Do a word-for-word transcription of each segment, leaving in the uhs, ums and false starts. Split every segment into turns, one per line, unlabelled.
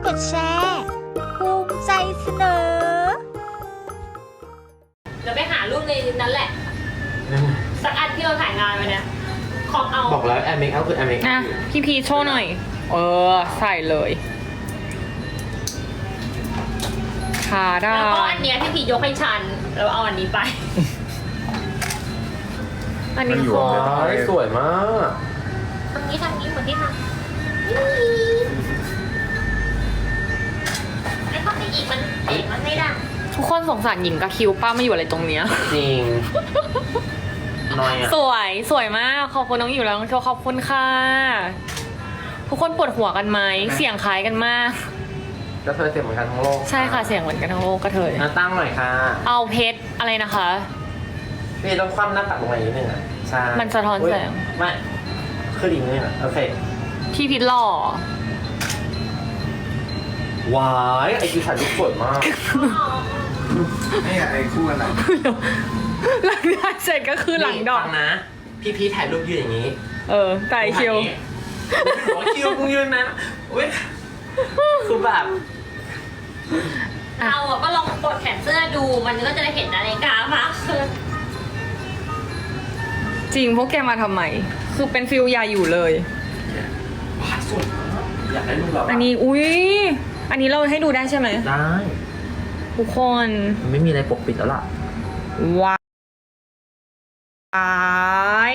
ดแชร์ภูมิใจเสนอ
เดี๋ยวไปหารูปในนั้นแหละสักอันที่เราถ่ายงานไปเนี่ยของเอา
บอกแล้วแอร์เมคอัพคือแอร์เมคอัพ
อ่ะพี่พีโชว์หน่อยเออใส่เลยขาได้
แล้วก็อันเนี้ยพี่พียกให้ฉันแล้วเอาอันนี้ไป
อันนี้
สวยสวยมาก
ทำนี้ทำนี้เหมือนที่ทำไอ้ข้อที่อีกมันเอกมันไม่ได้
ทุกคนสงสารหญิงกับคิวป้าไม่อยู่อะไรตรงเนี้ย
จริงน้อยอ่ะ
สวยสวยมากขอบคุณน้องอยู่แล้วน้องโชว์ขอบคุณค่ะทุกคนปวดหัวกันไหมเสียงคล้ายกันมาก
ก็เธอเสียงเหมือนกันทั้งโลก
ใช่ค่ะเสียงเหมือนกันทั้งโลกก็เธอ
ตั้งหน่อยค่ะ
เอาเพชรอะไรนะคะ
พี่ต้องคว่ำหน้าตักลงมาอีกนิดนึงอ่ะใช่
มันสะท้อนแสง
ไม่คือดีนี่นะโอเค
พี่พิษหล่อ
ว้ายไอคิวถ่ายรูปสวยมาก
นี่ไอ้คู่กันไหน
หลังได้เสร็จก็คือหลังดอก
นะพี่พีถ่ายรูปยืนอย่างนี้
เออไก่คิว
หัวคิวมึงยืนนะเว้ยคือแบบ
เอาอะก็ลองกดแขนเสื้อดูมันก็จะได้เห็นนาฬิกามากขึ้น
จริงพวกแกมาทำไมคือเป็นฟิลยาอยู่เลย
ว้าสวยมากอยากได้รูปเรา
อันนี้อุ้ยอันนี้เราให้ดูได้ใช่ไหม
ได้
ทุกคน
มันไม่มีอะไรปกปิดแล้วล่ะ
ว้าย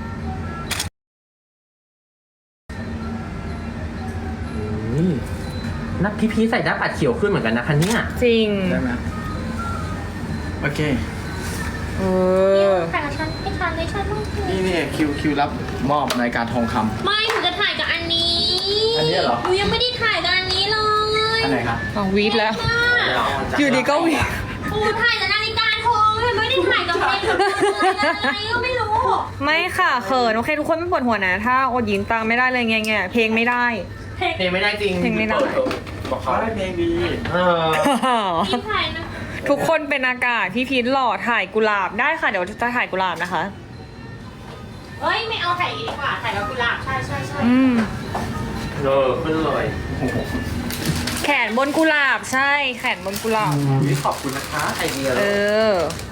นักพี่พีใส่หน้าปัดเขียวขึ้นเหมือนกันนะคะเนี่ย
จริง
ได้ไหมโอเค
เออ
ถ่ายกับฉันให้ฉันให้ฉันต้อง
นี่นี่คิวคิวรับมอบรายการทองคำ
ไม่หนูจะถ่ายกับอันนี้
อันนี้เหรอ
หนูยังไม่ได้ถ่ายกับอันนี้เลย
อันไหนครับ
อ๋อวีดแล้วอยู่ดีก็วีด
โอ้ถ่ายกับนาฬิกาทองเลยไม่ได้ถ่ายกับเพลงอะไรก็ไม่รู้
ไม่ค่ะเขินโอเคทุกคนไม่ปวดหัวนะถ้าอดยินตังไม่ได้เลยไงไงเพลงไม่ได้
เพลงไม่ได้จริง
เพลงไม่ได้
บอกเขาได้เพลงดี
เออ
พี่ถ่ายนะ
ทุกคนเป็นอากาศพี่พีทหล่อถ่ายกุหลาบได้ค่ะเดี๋ยวจะถ่ายกุหลาบนะคะ
เอ้ยไม่เอาถ่ายดีกว่าถ่ายกับกุหลาบใช่ใช่ใช่
อืม
เออขึ้นเลย
แขนบนกุหลาบใช่แขนบนกุหลาบ
ขอบคุณนะคะไอเดีย
เออ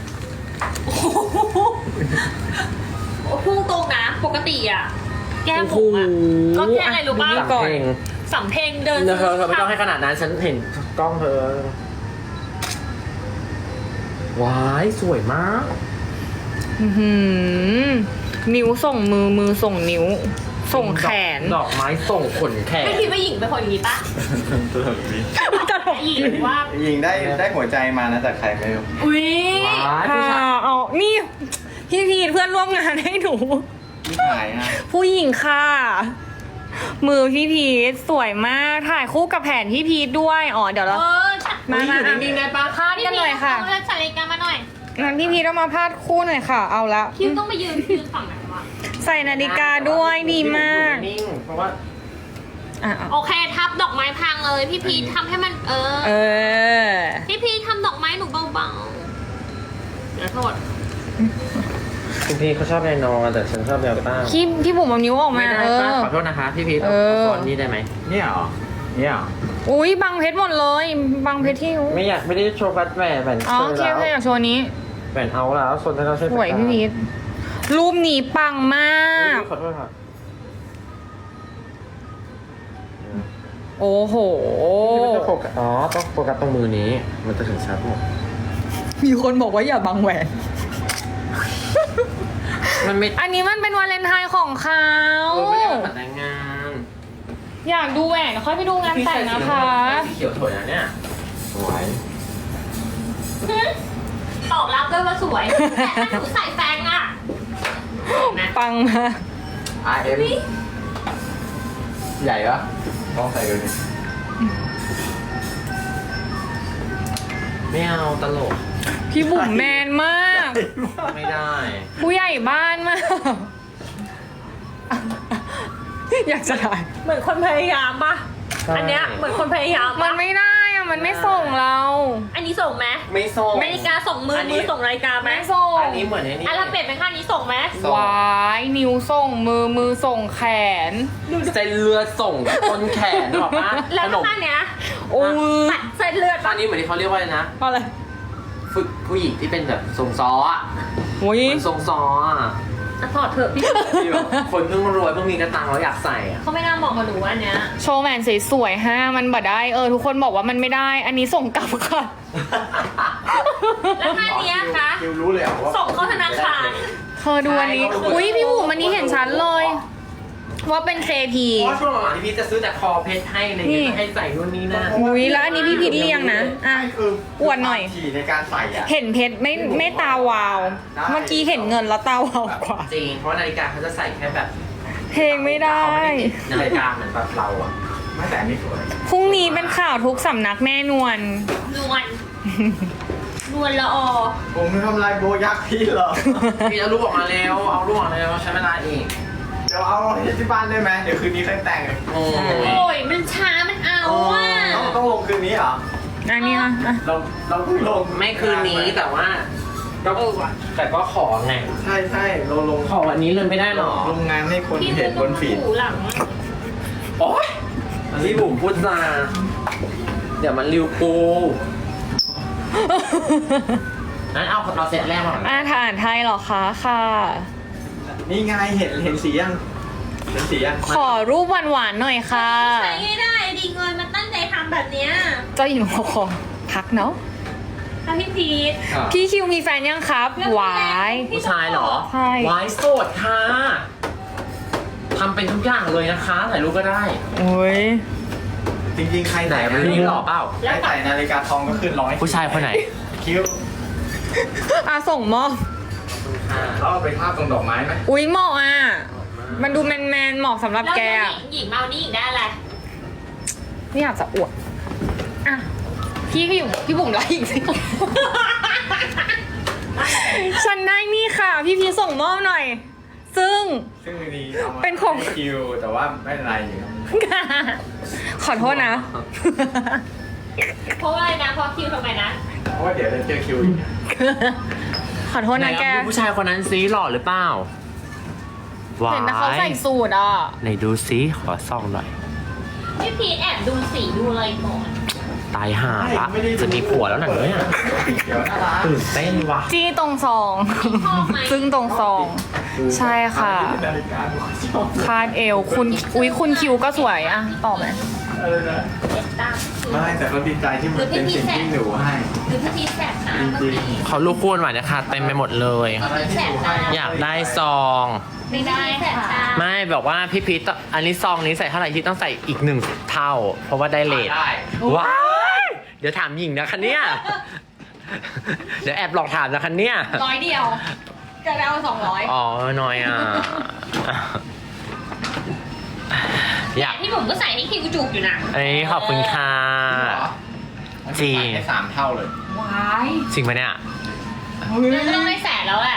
โอ้พุ่งตรงนะปกติอ่ะแก้มผมอ่ะก็แค่อะไรรู้ป่ะ
ก่อน
สำเพ็งเดิน
เธอเธอไม่ต้องให้ขนาดนั้นฉันเห็นกล้องเธอว้ายสวยมาก
นิ้วส่งมือมือส่งนิ้วส่งแขน
ดอกไม้ส่งขนแขน
ไม่คิดว่าหญิงเป็นคนอย่างนี้ปะ
ตลกดี
จะถก
หญิงว่า
หญิงได้ได้หัวใจมานะจากใครไม่รู้
อุ้ยเอานี่พี่พีทเพื่อนร่วมงานให้หนู
พี่ถ่ายนะ
ผู้หญิงค่ะมือพี่พีทสวยมากถ่ายคู่กับแผนพี่พีทด้วยอ๋อเดี๋ยวเรา
มา
มา
นิ่งๆได้ปะ
พาดกันหน่อยค่ะ
เอาใส่นาฬิกามาหน่อย
งั้นพี่พีทต้องมาพาดคู่หน่อยค่ะเอาละ
คิวต้องไปยืนยืนฝั่งไหนวะ
ใส่นาฬิกาด้วยดีมาก
นิ่งเพราะว่า
โอเคทับดอกไม้พังเลยพี่พีททำให้มันเออ
เออ
พี่พีททำดอกไม้หนูเบาๆเดี๋ยวโทษ
คุณพี่เขาชอบแนวนอนแต่ฉันชอบแนวตั้ง
พี่พี่บุ๋มเอานิ้วออกมา
เออขอโทษนะคะพี่พีทเอาฟอนนี่ได้ไหม
เนี่ยเหรอเนี่ย
อุ้ยบังเพชรหมดเลยบังเพชรที่
ไม่อยากไม่ได้โชว์ฟัดแหวนแหวน
อ๋อโอเคโอเคอยากโชว์นี้
แหวนเอาแล้วส่วนที่เราใช้
สวยพี่พีทรูปนี้ปังมาก
ขอโทษค่ะ
โอ้โห
มันจะโฟกัสอ๋อต้องโฟกัสตรงมือนี้มันจะถึงชัดหมด
มีคนบอกว่าอย่าบังแหวน
มันไม่
อันนี้มันเป็นวาเลนไทน์ของเขา
ไม่ได้มาแต่งงาน
อยากดูแหวนค่อยไปดูงานแต่งนะคะ
เขียวสวยนะเนี่ยสวย
ตอบรับด้วยว่าสวยแต่ถ้าหนูใส่แฟงอ่ะ
ปังมา
อ่ะเอ็มใหญ่ปะลองใส่ดูดิ
ไม่เอาตลก
พี่บุ๋มแมนมาก
ไม่ได้
ผู้ใหญ่บ้านมากอยากจะถ่าย
เหมือนคนพยายามปะอันเนี้ยเหมือนคนพยายาม
มันไม่ได้อะมันไม่ส่งเรา
อันนี้ส่งไหม
ไม่ส่ง
นาฬิกาส่งมือมือส่งนาฬิกาไหม
ไม่ส่ง
อันนี้เหมือนไอ้นี่
อันเราเปลี่ยนเป็นข้างนี้ส่งไหม
วายนิ้วส่งมือมือส่งแขน
เส้นเลือดส่งต้นแขนหรอปะ
แล้วข้างเนี้ย
โอ้ย
ตัดเส้นเลือด
ตอ
ปะ
นนี้เหมือนที่เขาเรียกว่าอะไรนะ
อะไร
ฝึกผู้หญิงที่เป็นแบบทรงซ้ออะ
โอ้ย
เหมือนทรงซ้ออะ
อ่ะถอดเถอะพี่
ที่แบบคนเพิ่งรวยเพิ่งมีกระตังแล้วอยากใส่อะ
เขาไม่น่าเหมาะกับหนูอันเนี้ย
โชว์แมนสวยๆฮะมันบ่ได้เออทุกคนบอกว่ามันไม่ได้ อันนี้ส่งกลับค่ะ
แล้วท่าเนี้ยคะ
คิวรู้เลยเหรอว่า
ส่งเข้าธนาคาร
เธอดูอันนี้ อุ้ยพี่บุ๋มอันนี้เห็นชัดเลย ว่าเป็น เค พี
เพราะช่วงหลังๆที่พี่จะซื้อแต่คอเพชรให้อะไร
นี่
เงี้ยให้ใส่นู่นนี่นั่น
อุ้ยแล้วอันนี้พี่พิดเรียงนะอ่ะ
ไม่คือ
อวดหน่อย
ฉี่ในการใส่อ่ะ
เห็นเพชรไม่ไม่ตาวาว
ได้
เมื่อกี้เห็นเงินแล้วตาวาวกว่า
จริงเพราะว่านาฬิกาเขาจะใส่แค่แบบ
เพลงไม่ได้
นาฬิกาเหมือนแบบเราอะ
ไม่แต่อันนี้สวย
พรุ่งนี้เป็นข่าวทุกสำนักแน่นวน
นวล นวลละออ
ผมทำลายโบยักษ์พี่เหรอ
พี่เอารูปออกมาแล้วเอารูปออกมาแล้วใช้เวลาเอง
เดี๋ยวเอาที่บ้านได้ไหมเดี๋ยวคืนนี้ค่อยแต่ง
โอ้ย
โอ้ย มันช้า มันเอาอ่ะ
ต้องต้องลงคืนนี้เหรอ
อันนี้อ่ะอ่ะ
เราเราเพิ่งลง
ไม่คืนนี้แต่ว่าก็แต่ก็ขอไง
ใช่ใช่เราลง
ขอวันนี้เลยไม่ได้หรอ
ลงงานให้คน
พี่
เห็นบนฟีด
หูหลัง
โอ๊ยพี่บุ๋มพูดจาเดี๋ยวมันริวกูงั้นเอาเอาเซตแรกมาก่อน
อ่าฐานไทยเหรอคะค่ะ
นี่ไงเห็นเห็นสียังเห็นสียัง
ขอรูปหวานๆหน่อยค่ะ
ใช้ไม่ได้ดีเงินมันตั้งใจทำแบบเนี้ย
เจ้าหญิงหัวคอพักเนาะ
ถ้าพี่พีท
พี่คิวมีแฟนยังครับหวาย
ผู้ชายเหรอ
ใช่
วายโสดค่ะทำเป็นทุกอย่างเลยนะคะถ่ายรูปก็ได้
โอ้ย
จริงๆใคร
ไหน
ใส่
มันนี่หล่อเปล่า
ใครใส่นาฬิกาทองก็ขึ้นร้อย
ผู้ชายคนไหน
คิ้ว
อ่ะส่งมอบ
เขาเอาไปทาบตรงดอกไม้ไหม
อุ้ยเหมาะอ่ะ มันดูแมนๆเหมาะสำหรับ
แล้ว
แก
ห
อะ
ญิงหญิงเมานี่หญิงได้อะไร
ไม่อยากจะอวดอ่ะพี่ก็อยู่พี่บุ๋มไลฟ์อีกสิ ฉันได้นี่ค่ะ พี่พีส่งมอบหน่อย ซึ่ง
ซึ่งดีเอามา
เป็นของ
ให้คิวแต่ว่าไม่เป็นไรอยู่ครับ
ขอโทษนะ
เพราะว่าอะไรนะเพราะคิวทำไมนะ
เพราะว่าเดี๋ยวจะเจอคิวอีก
ขอโทษ
ไหน
นะแก
เอาดูผู้ชายคนนั้นซิหล่อหรือเปล่าว้า
เห็นนะเขาใส่
ย
สูทอ่ะ
ไหนดูซิขอส่องหน่อย
พี่พีทแอบดูสีดูอะไรก่อน
ตายห่าละจะมีผัวแล้วหนังเนี่ย
เดี๋ยวน่ารัก
ตื่นเต้นว่ะ
จี้ตรงซอง
ชอบไหม
ซึ่งตรงซอง ใช่ค่ะ
นาฬิกาผมชอบ
คาดเอว คุณ อุ๊ย คุณคิวก็สวยอ่ะต่อไหม
อะไรนะ
เด็ดตาม
ไม่แต่ก็ดีใจที่มันเป็นสิ่งที่หนูให้
หรือพี่พีทแสบตาก็มี
เขาลูกคู่หวานนะคะเต็มไปหมดเลย
อะไรที่หนูให้
อยากได้ซอง
ไม่ได้แสบตา
ไม่แบบว่าพี่พีทต้องอันนี้ซองนี้ใส่เท่าไหร่ที่ต้องใส่อีกหนึ่งเท่า เพราะว่าได้เลท
ได้
ว้ายเดี๋ยวถามหญิงนะคะเนี่ย เดี๋ยวแอบลองถามนะคะเนี่ย
ร้อยเดียว จะไปเอาสองร้อย
อ๋อน้อยอ่ะ อยาก
พี่ผมก็ใส่ให้คิวจูบอยู่นะ
เอ้ยขอบคุณค่ะ จริง
ให้สามเท่าเลย
ว้าย
จริงไหมเนี่ย
ไม่ต้องได้แสนแล้วแหละ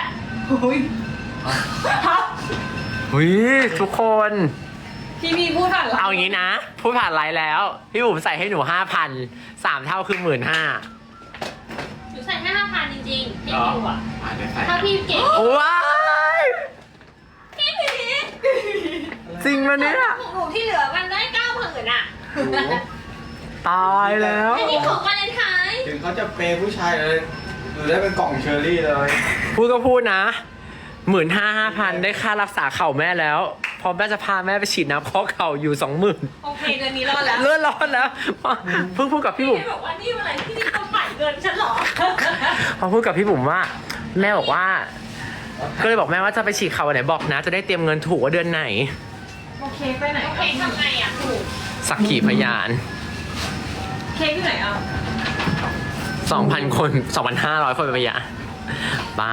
อุ้ยทุกคน
พี่พีพูดผ่าน
เอางี้นะ พูดผ่านไลน์แล้ว พี่บุ๋มใส่ให้หนูห้าพันสามเท่าคือหมื่นห้า
หนูใส่แค่ห้าพันจริงๆพี่คิวอ่ะ
อ่าเดี๋ยวใส่
ถ้าพี่เก่ง
ว้าย
พี่พีท
จริงปะเนี่ย
ของหนูที่เหลือมันได้เก้าหมื่นอ่ะ
ตายแล้ว
อันนี้ของวาเลนไทน์
ถึงเขาจะเปย์ผู้ชายเลยหรือได้เป็นกล่องเชอร์รี่เลย
พูดก็พูดนะหมื่นห้าห้าพันได้ค่ารักษาเข่าแม่แล้วพอแม่จะพาแม่ไปฉีดน้ำข้อเข่าอยู่สองหมื่น
โอเคเดือนนี้รอดแล้ว
เลื่อนร้อนแล้วเพิ่งพูดกับพี่บุ๋ม
พี่บอกว่านี่อะไรที่นี่เขาฝ่ายเงินฉันเหรอ
พอพูดกับพี่บุ๋มว่า แม่บอกว่า ก็เลยบอกแม่ว่าจะไปฉีดเข่าวันไหนบอกนะ จะได้เตรียมเงินถูกว่าเดือนไหน
โอเคไปไหน
โอเคทำไงอ่ะถูก
สักขีพยาน
เค้กที่ไหนอ่ะ
สองพันคนสองพันห้าร้อยคนเป็นพยานบ้า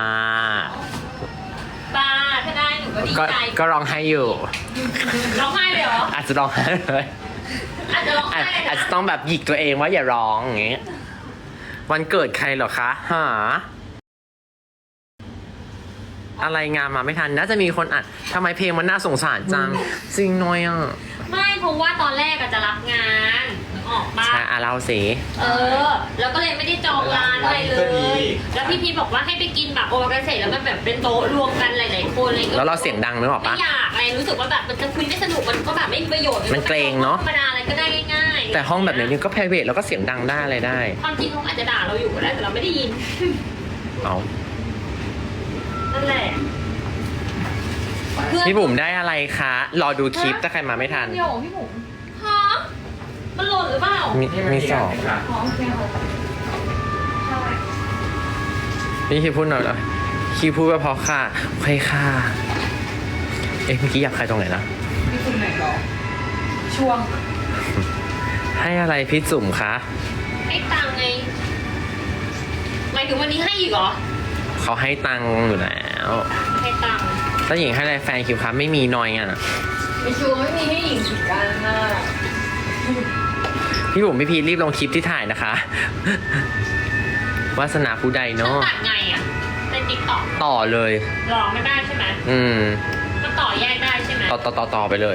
บ้าถ้าได้หนูก็ดี
ก็
ใจ
ก็ร้องไห้อยู่
ร้องไห้เลยเหรอ
อาจจะร้องไห้เลย
อาจจะร้อง
อา
ไห้
จ
เลย
อาจ
นะ
จะต้องแบบหยิกตัวเองว่าอย่าร้องอย่างเงี้ยวันเกิดใครเหรอคะหาอะไรงานมาไม่ทันน่าจะมีคนอัดทำไมเพลงมันน่าสงสารจังจริงน้อยอ่ะ
ไม่เพราะว่าตอนแรกอะจะรับงานออกมา
ใช่อ่ะเราสิ
เออ แล้วก็เลยไม่ได้จองร้านอะไรเลย แล้วพี่พีบอกว่าให้ไปกินแบบโอมากาเสะแล้วมันแบบเป็นโต๊ะรวมกันหลายๆคนอะไรอย่างเงี้ย
แล้วเราเสียงดังนึกออก
ไม่
ปะ
อยากอะไรรู้สึกว่าแบบมันจะคุยไม่สนุกมันก็แบบไม่มีประโยชน์
มันเกรงเนอะ
ธรรมดาอะไรก็ได้ง่ายๆ
แต่ห้องแบบนี้ก็ private แล้วก็เสียงดังได้อะไรได้
ความจริงเขาอาจจะด่าเราอยู่ก็ได้แต่เราไม่ได้ยิน
เอา
นั่นแหละเพื่อน
พี่บุ๋มได้อะไรคะ รอดูคลิปถ้าใครมาไม่ทัน
เดี๋ยวพี่บุ๋มฮะมันหล่นหรือเปล่า
มีมีสอง
อ๋อโอเคค่ะใช่
พี่คิดพูดหน่อยเหรอคิดพูดว่าพอค่ะโอเคค่ะ เอ๊ะเมื่อกี้อยากใครตรงไหนนะ
พี่คุณไหนหรอช่วง
ให้อะไรพี่จุ๋มคะ
ให้ตังค์ไงหมายถึงวันนี้ให้อีกเหรอ
เขาให้ตังค์อยู่แล้ว
ให้ตังค์
ถ้าหญิงให้อะไรแฟนคิวคะไม่มีนอยอ่ะ
มีชูไม่มีให้หญิงสิกันน่ะ
พี่บุ๋มพี่พีชรีบลงคลิปที่ถ่ายนะคะ วาสนาผู้ใด
ฉัน
เนาะ
ตัดไงอ่ะเป็นติ๊กต็อก
ต่อเลย
หลอกไม่ได้ใช่ไหม
อืม
มันต่อแยกได้ใช่ไหม
ต่อต่อต่อต่อไปเลย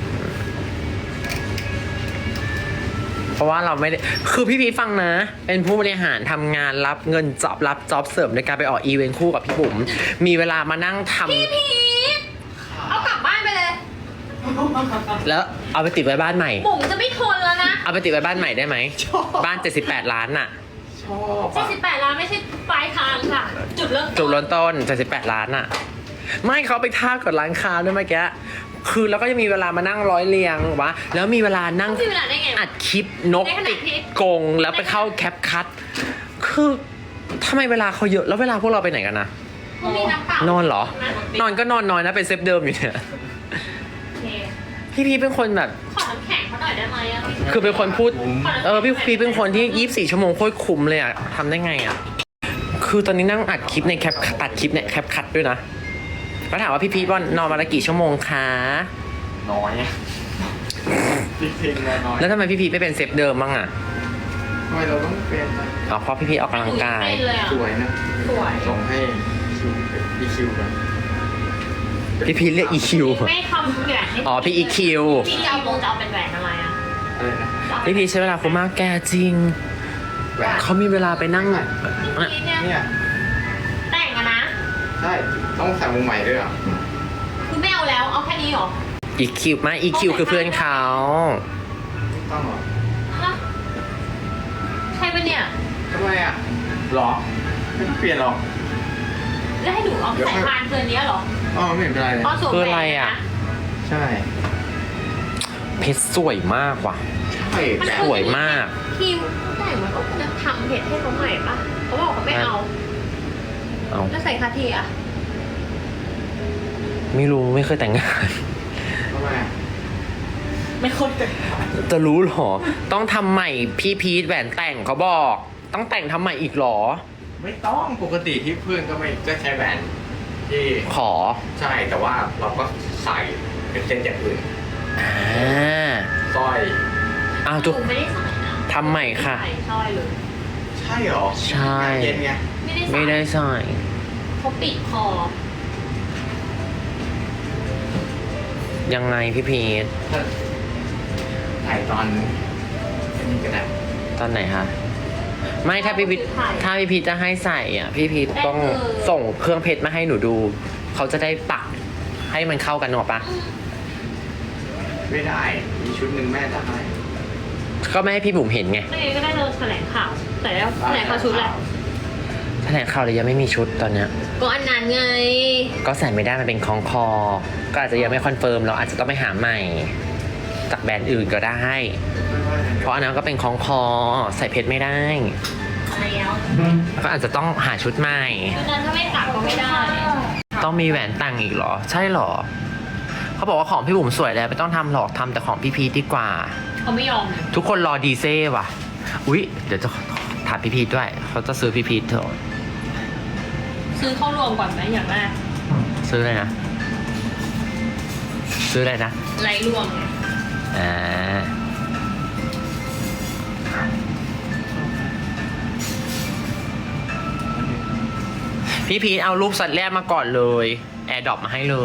เพราะว่าเราไม่ได้ คือพี่พีชฟังนะ เป็นผู้บริหารทำงานรับเงินจ็อบรับจ็อบเสริมในการไปออกอีเวนต์คู่กับพี่บุ๋มมีเวลามานั่งทำ
พี่พีทเอากลับบ้านไปเลย
แล้วเอาไปติดไว้บ้านใหม่
บุ๋มจะไม่ทนแล้วนะ
เอาไปติดไว้บ้านใหม่ได้ไหม บ้านเจ็ดสิบแปดล้านน่ะ
ชอบ
เจ็ด
อ่ะ
สิบแปดล้านไม่ใช่ปลายทางค่ะ จุดเริ่ม
จุดเริ่มต้นเจ็ดสิบแปดล้านน่ะ ไม่เขาไปท่ากับร้านค้าด้วยเมื่อกี้คือแล้วก็จะมีเวลามานั่งร้อยเรียงวะแล้วมีเวลานั่ง
มีเวลาได้ไง
อัดคลิปนก
ในขณะ
ติด
ที่
กรงแล้วไปเข้าแคปคัทคือทำไมเวลาเขาเยอะแล้วเวลาพวกเราไปไหนกันนะ
เขามีน้ำเปล่าน
อนเหรอ
น
นอนก็นอนน้อยนะเป็นเซฟเดิมอยู่เนี่ย
โอเค
พี่พีเป็นคนแบบ
ขอน้ำแข็งเขาหน่อยได้ไหมอะ
คือเป็นคนพูด
ขน้ำแข็ง
เออพี่พีเป็นคนที่ยี่สิบสี่ชั่วโมงโคตรคุ้มเลยอะทำได้ไงอะคือตอนนี้นั่งอัดคลิปในแคปตัดคลิปเนี่ยแคปคัทด้วยนะก็ถามว่าพี่พีว่านอนมาละกี่ชั่วโมงคะ
น้อยจริงๆเลยน้อย
แล้วทำไมพี่พีไม่เป็นเซฟเดิมบ้างอะ
ทำไมเราต้องเป็น
อ๋อเพราะพี่พีออกกำลังกาย
เป็นเลยอะ
สวยนะ
สวย
ส่งให้คิวอีคิวกัน
พี่พีเรียก อี คิว
ไม่ทำแหวนให้
อ๋อพี่ อี คิว
พี่จะเอาวงจะเอาเป็นแหวนอะไรอะ
อะไรนะ
พี่พีใช้เวลาคุ้มมากแกจริง
แหวน
เขามีเวลาไปนั่ง
พี่เนี่ย
เนี่ย
แต่งอะนะ
ใช่ต้องใส่วงใหม่ด้วยเหรอ
คือไม่เอาแล้วเอาแค่นี้เหรอ
อี คิวมาอี คิวคือเพื่อนเขา
ต้องเหรอ
ฮะใช่ปะเนี่ย
ทำไมอ่ะหรอไม่ต้องเปลี่ยนหรอก
แล้วให้หนูเอาไปใส่พานเกินเนี้ยเหรอ
อ๋อไม่เห็นเป็นไรเลย
เพราะสวม
คือ
แหว
อะไร
น
อะ
นะ
ใช่
เพชรสวยมากว่ะ
ใช่
มัน
แต่
สวยมาก
คิวแต่มันก็จะทำเพจให้เขาใหม่ปะเขาบอกเขาไม่เอา
เอา
แล้วใส่คาเทียอะ
ไม่รู้ไม่เคยแต่งงาน
ทำไมอ่ะ
ไม่ค่อยแต่
จะรู้เหรอ ต้องทำใหม่พี่พีทแหวนแต่งเขาบอก ต้องแต่งทำใหม่อีกเหรอ
ไม่ต้องปกติที่เพื่อนก็ไม่ก็ใช้แหวนที่
ขอ
ใช่แต่ว่าเราก็ใส่เป็นเส้นจากอื่น
อ่า
สร้อย
อ้าว
ห
ทุก
นูไม่ได้ใส่นะ
ทำใหม่ค่ะ
ใส่สร้อยเลย
ใช่เหรอ
ใช่
เย็นไง
ไม่ได้ใส่
ไม่ได้ใส่
เขาปิดคอ
ยังไงพี่พีท
ถ้าใส่ตอนนี้ก็ได้
ตอนไหนคะไม่ถ้าพี่พีทถ้าพี่พีทจะให้ใส่อ่ะ พี่พีทต้องส่งเครื่องเพชรมาให้หนูดู เขาจะได้ปักให้มันเข้ากันหรอกปะ
ไม่ได้ มีชุดหนึ่งแม่จะให้
ก็ไม่ให้พี่บุ๋มเห็นไง
ไม่งั้นก็ได้เราแถลงข่าว แต่แล้วแถลงข่าวชุดแหละ
แถลงข่าวเลยยังไม่มีชุดตอนเนี้ย
ก็อันนั้นไง
ก็ใส่ไม่ได้มันเป็นคล้องคอ ก็อาจจะยังไม่คอนเฟิร์มเราอาจจะต้องไปหาใหม่ จากแบรนด์อื่นก็ได้ เพราะอันนั้นก็เป็นคล้องคอ ใส่เพชรไม่ได้
แล้ว
ก็อาจจะต้องหาชุดใหม่
ชุดนั้นถ้าไม่ตักก็ไม่ได้
ต้องมีแหวนแต่งอีกเหรอ ใช่เหรอ เขาบอกว่าของพี่บุ๋มสวยแล้วไม่ต้องทำหรอกทำแต่ของพี่พีทดีกว่า
เขาไม่ยอม
ทุกคนรอดีเซ่ว่ะ อุ๊ย เดี๋ยวจะถามพี่พีทด้วย เขาจะซื้อพี่พีทเถอะ
ซื้อเข้ารวมก่อนไหมอย่างแรก
ซื้ออะไรนะ ซื้ออะไรนะ
ไรรวมไง
อ่า พี่พีทเอารูปสัตว์แรกมาก่อนเลย แอร์ดรอปมาให้เลย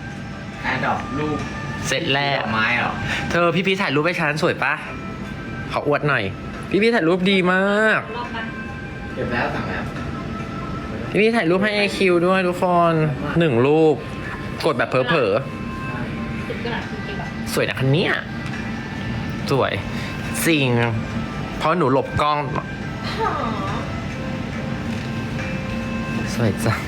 แอร์ดรอปรูป
เสร็จแรก
ดอกไม้เหรอ
เธอพี่พีทถ่ายรูปให้ฉันสวยปะขขออวดหน่อย พี่พี่ถ่ายรูปดีมาก
รอบปะ
เก็บแล้วสั่งแล้ว
พี่พี่ถ่ายรูปให้ไอคิวด้วยทุกคนหนึ่งรูป กดแบบเผลอ
สิบกระดาษคือกี่บาท
ๆสวยนะคันเนี้ยสวยจริง เพราะหนูหลบกล้อง สวยจัง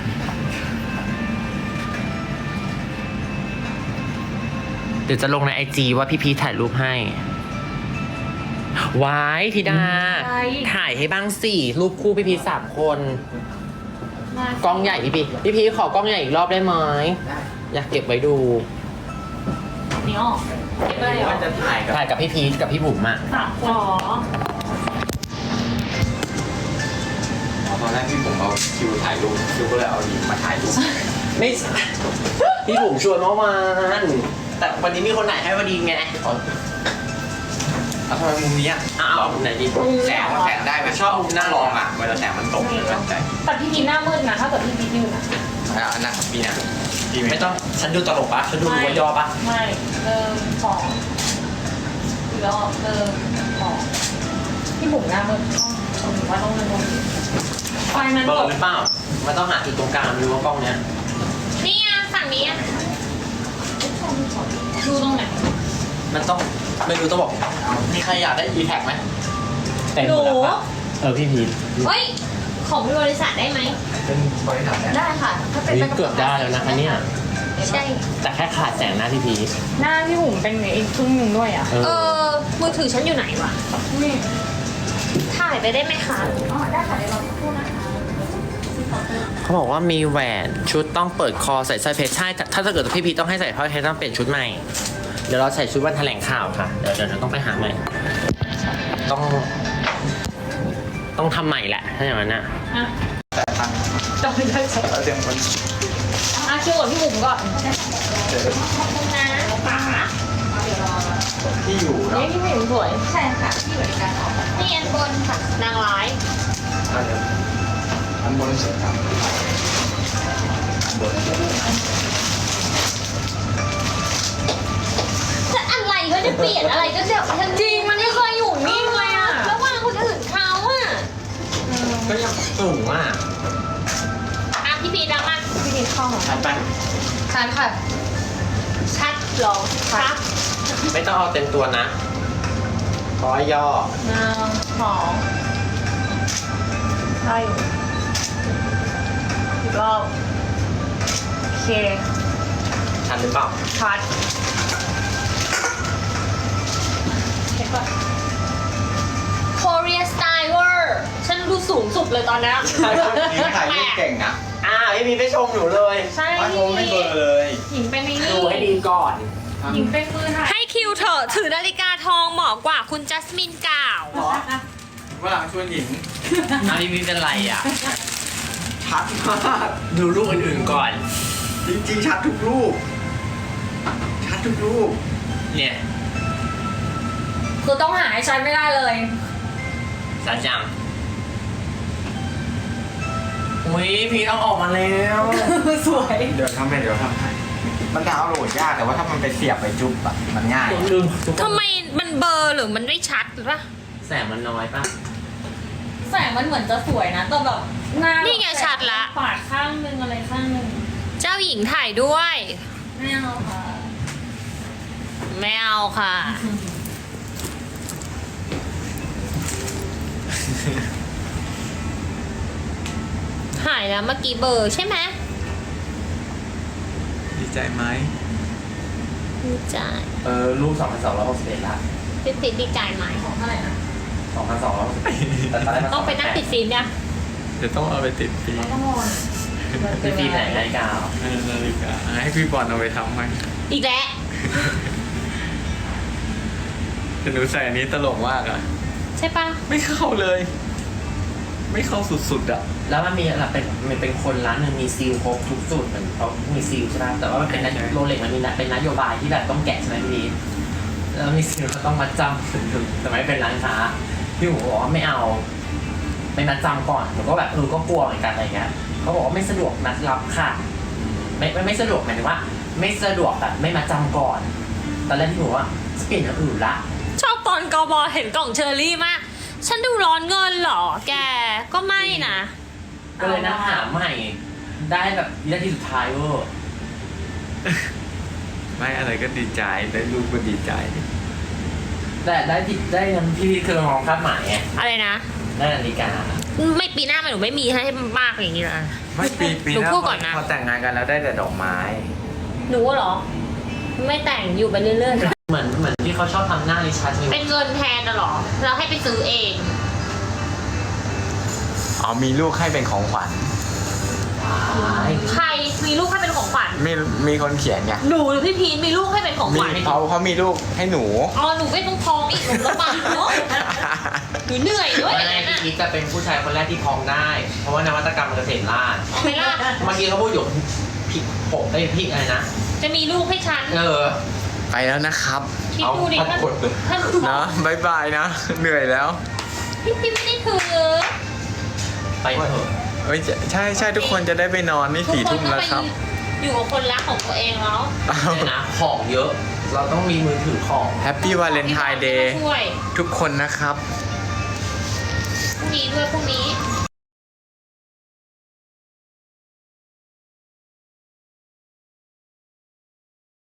เดี๋ยวจะลงในไอจีว่าพี่พีชถ่ายรูปให้วายธิดา ถ่ายให้บ้างสิรูปคู่พี่พีชสามคน กล้องใหญ่พี่พีชพี่พีชขอกล้องใหญ่อีกรอบได้ไหม
ได้
อยากเก็บไว้ดู
นี่ออกเก็บไปเลยเหรอ
ว่าจะถ่ายกับ
ถ่ายกับพี่พีชกับพี่บุ๋มอะ
สามคนอ๋อ
ตอนแรกที่ผมเอาคิวถ่ายรูปคิวก็เลยเอาหญิงมาถ่ายรูป
ไม่ใช่ พี่บุ๋มชวนเมื่อวานแต่วันนี้มีคนไหนให้พอดีไง
เอาเอาทำไมมุมนี้อ่ะ
อ้าวไหนดี
แสงมันแสงได้ไหมชอบมุมหน้าลองอ่ะเวลาแสงมันตกมันมั่นใจ
แต่พี่พีหน้ามืดนะถ้าเกิดพี่พียืนอ่ะ
อ่ะอันนั้นพี่นะพี่
ไม่
ไม่
ต้
ต้
อ
อง ง
ฉันดูตลกปะฉันดูหัวยอปะ
ไม่หนึ่งสองแล้วหนึ่งสองพี่บุ๋มหน้ามืดต้องถือว่าต้องเงินลงไฟมัน
เบอ
ต
ร์
ก
หรือเปล่ามันต้องหาจุดตรงกลางดูว่ากล้องเนี้ย
นี่อ่ะฝั่งนี้อ่ะดูตรงไหน
มันต้องไม่รู้ต้องบอกมีใครอยากได้ e tag ไหมแต่งหมดแล้วปะเออพี่พีช
เฮ้ย ของบริษัทได้ไหม
เป็นบริษัทเนี่ย
ได้ค่ะ ถ้าเป็น
นี่เกือบได้แล้วนะคะเนี่ย
ใช่
แต่แค่ขาดแสงหน้าพี่พีช
หน้าพี่บุ๋มเป็นอีกครึ่งหนึ่งด้วยอ่ะ
เอ
เอ
อ
อ มือถือฉันอยู่ไหนวะ
นี่
ถ่ายไปได้ไหมคะ อ๋อ ได้ค่ะเดี๋ยวเราพูดนะคะ
เขาบอกว่ามีแหวนชุดต้องเปิดคอใส่สร้อยเพชรใช่ถ้าถ้าเกิดพี่พีชต้องให้ใส่สร้อยเพชรต้องเปลี่ยนชุดใหม่ เดี๋ยวเราใส่ชุดวันแถลงข่าวค่ะ เดี๋ยวเดี๋ยวเราต้องไปหาใหม่ ต้อง ต้องทำใหม่แหละ ถ้าอย่างนั้นนะ
อ่ะ
แต่ตั้ง
จำไม่ได้ใช่
เราเตรียมคน
อ่ะคิวกับพี่บุ๋มก่อน
เจอ
ขอบคุณนะป๋า
ที่อยู่เนาะ
นี่พี่บุ๋มสวย ใช่ค่ะ ที่บริการออกนี่อันบนค่ะ นางร้าย
อันเดียวอันบนเสร็จครับอันบนเสร็จ
จะอะไรก็จะเปลี่ยนอะไรก็จะ
จริงมันไม่เคยอยู่นิ่งเลยอ่ะ
ระหว่างคนอื่นเขาอ่ะ
ก็ยังสูงอ่ะ
อ่ะพี่พีดังมาก
พี่พีชเข้าของ
ชัดไป
ชัดค่ะ ชัดหรอชัด
ไม่ต้องเอาเต็มตัวนะร้อยย่อ
หนึ่งสองใช่อยู่อีกรอบโอเค
ชัดหรือเปล่า
ชัด
เช็คก่อน Korea Style เวอร์ฉันดูสูงสุดเลยตอนนี้
หญิงถ่ายรูปเก่งนะ
อ่าพี่พีชไปชมหนูเลย
ใช่
ว่าโมไม่เบอร์เลย
หญิงเป็นนี่
ดูให้ดีก่อน
หญิงเป็นมือถ่าย
ให้คิวเถอะถือนาฬิกาทองเหมาะกว่าคุณจัสมินกล่าว
หรอว่าหลังชวนหญิง
อ่ะพี่พีชเป็นไรอ่ะ
ชัดมาก
ดูรูปอื่นๆก่อน
จริงๆชัดทุกรูป ชัดทุกรูป
เนี่ย
คือต้องหาให้ฉันไม่ได้เลย
สัจจังอุ้ยพีชเอาออกมาแล้ว
สวย
เดี๋ยวทำให้เดี๋ยวทำให้มันดาวน์โหลดยากแต่ว่าถ้ามันไปเสียบไปจุ๊บอะมันง่าย
ลืมทุกคน
ทำไมมันเบลอร์หรือมันไม่ชัดหรือปะ
แสงมันน้อยป่ะ
แสงมันเหมือนจะสวยนะแต่แบบหน้า
นี่ไงชัดละ
ปาดข้างนึงอะไรข้างนึง
เจ้าหญิงถ่ายด้วย
ไม่เอาค่ะ
ไม่เอาค่ะ หายแล้วเมื่อกี้เบลอร์ใช่ไหม
ดีใจไหม
ดีใจ
เออรูปสองพันสองร้อยหกสิบเอ็ดละ
พี่ติดดีใจไหม
ของเท่าไหร่นะ
สองพันสองร้อยหกสิบเอ็ดแต่ตอนแรกมัน
ต้องไปนั่งติดฟิล์มเนี่ย
เดี๋ยวต้องเอาไปติดฟิล์ม
ต้องมอน
พี่พีชไหนนาฬิกา
เออนาฬิกาให้พี่บอลเอาไปทำไหม
อีกแล้ว
แต่หนูใส่อันนี้ตลกมากอะ
ใช่ปะ
ไม่เข้าเลย ไม่เข้าสุดๆอะ
แล้วมันมีอะไรเป็นมันเป็นคนร้านหนึ่งมีซีลครบทุกสูตรเหมือนเขามีซีลใช่ไหมแต่ว่ามันเป็นนโยโรเล็กมันมีนะเป็นนโยบายที่แบบต้องแกะใช่ไหมพี่พีชแล้วมีซีลก็ต้องมัดจำแต่ไม่เป็นร้านค้าพี่หมูบอกว่าไม่เอาไม่มัดจำก่อนหนูก็แบบเออก็กลัวเหมือนกันอะไรเงี้ยเขาบอกว่าไม่สะดวกนัดรับค่ะไม่ไม่ไม่สะดวกหมายถึงว่า ไม่สะดวกแบบไม่มัดจำก่อนตอนแรกที่หนูว่าจะเปลี่ยนอย่างอื่นละ
ชอบตอน
กบเห็นกล่องเชอรี่มาก ฉันดูร้อนเงินเหรอ แกก็ไม่นะ
ก็เลยนะหาใหม่ ได้แบบวินาทีสุดท้ายเวอร์
ไม่อะไรก็ดีใจได้ลูกก็ดีใจ
แต่ได้ที่ได้นั้นพี่คือมองภาพหมายไง
อะไรนะ
ได้นาฬิกา
ไม่ปีหน้ามันหนูไม่มีให้มากอย่างนี้นะ
ไม่ปีปี
หนู
หน้า
พูดก่อนนะ
พอแต่งงานกันแล้วได้แต่ดอกไม้
หนูเหรอ ไม่แต่งอยู่ไปเรื่อย
เหมือนเหมือนที่เขาชอบทำหน้าริชาร์ด
ๆ เป็นเงินแทนนะเหรอ เราให้ไปซื้อเอง
อ๋อมีลูกให้เป็นของขวัญ
ใครมีลูกให้เป็นของขวัญ
มีมีคนเขียนไง
หนูหรือพี่พีนมีลูกให้เป็นของ
มี
ขวัญ
เขาเขามีลูกให้หนู
อ๋อหนูไม่ต้องท้องอีกหนูลำบากเนาะหนูเหนื่อยด้วยอย่าง
ไม่
นั้น
พี่
อะ
คิดจะเป็นผู้ชายคนแรกที่พองได้ เพราะว่านวัตกรรมเกษตรราษฎร์
เอาไหม่ล่ะ
เมื่อกี้เขาพูดอยู่ผิดผมไอ้ยพี่อะไรนะ
จะมีลูกให้ฉัน
เออ
ไปแล้วนะครับ
คิดดูดิ
เอา
ท่าน
กดเลย
ท่าน
นะบายบายนะ เหนื่อยแล้ว
พี่พีไม่ได้ถือ
ไปเถอะ
เอ้ยใช่ใช่ทุกคนจะได้ไปนอนนี่สี่ทุ่มแล้วครับ
อยู่กับคนรักของตัวเองแล้ว
เนี่ยนะของเยอะ เราต้องมีมือถือของ
แฮปปี้วาเลนไทน์เดย์
ช่วย
ทุกคนนะครับ
พรุ่งนี้ด้วยพรุ่งนี้